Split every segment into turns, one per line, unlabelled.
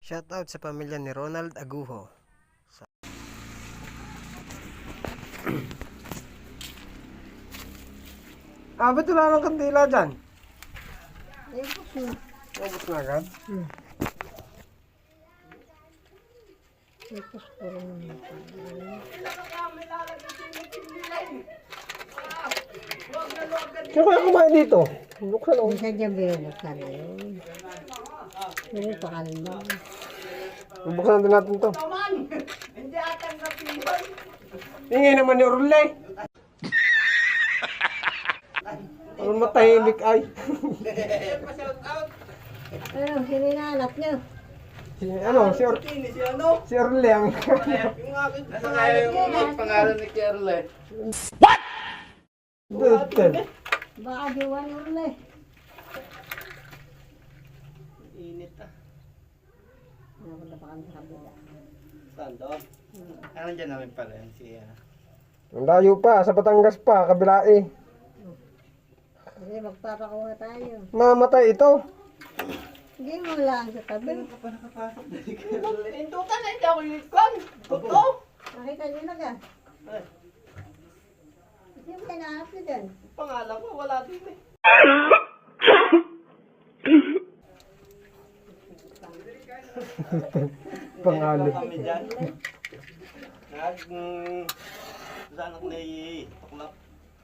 Shoutout sa pamilya ni Ronald Aguho. Ba't wala nang kandila dyan?
Ubus na.
Ubus na agad?
Ubus ko rin naman.
Sino kaya kumain dito? Buksan ako.
Minsan dyan binubuksan na yun. Pero pakalma.
Buksan din natin to. Ingay naman ni Orle. Ano matahimik ay?
Ano, sino inaanap niyo?
Si Orle ang...
Nasa kaya yung pangalan ni Kerle.
Baka diwa ni Urle.
Init ah.
Napunta pa kami sa kabila.
Saan doon? Ano dyan namin pala yun si
Ang layo pa, sa Batangas pa, kabila eh.
Kasi magpapakuha tayo.
Mamatay ito.
Hindi mo lang sa tabi.
Ano pa nakapasok na si Kerle? Indukan na hindi ako yung ikon! Totoo!
Nakita niyo na ka? Hindi mo kinahanap niyo dyan.
Pangalan ko wala din eh.
Pangalan.
Kami dyan. Saan ako na tuklap?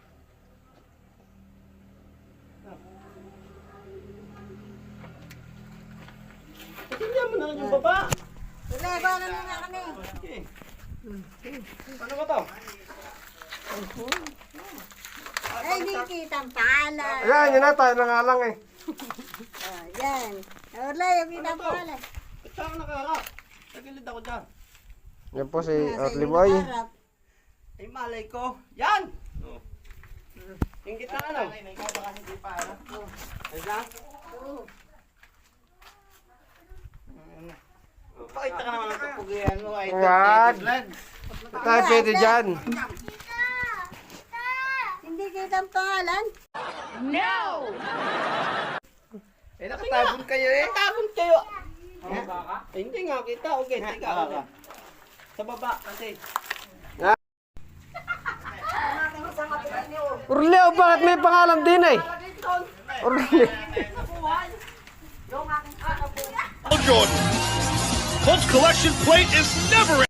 Pasindihan mo na lang yung baba.
Urle, paano muna kami?
Okay. Ano ba to?
Ay, hindi kita ang pangalan.
Ayan, yun na tayo na nga lang eh.
Oh, yan. Urle, yung kita ang pangalan.
Ba't saan ako nakaharap? Tagilid ako dyan.
Yan po si
Nasa
Orly
inyong
Boy.
harap.
Ay, malay ko. Yan! Yung gitna ano? Ikaw baka hindi pa ano? Ay, dyan?
Oo.
Pakita ka naman ang kapugihan mo. Ay,
Yan.
vlog.
Tayo pwede dyan.
Hindi kita ang pangalan.
Eh, nakatabon kayo eh. Nakatabon kayo. Eh, hindi nga kita. Okay, tiga. Sa baba kasi.
Orly, bakit may pangalan din eh? Orly.
Jordan. Colts collection plate is never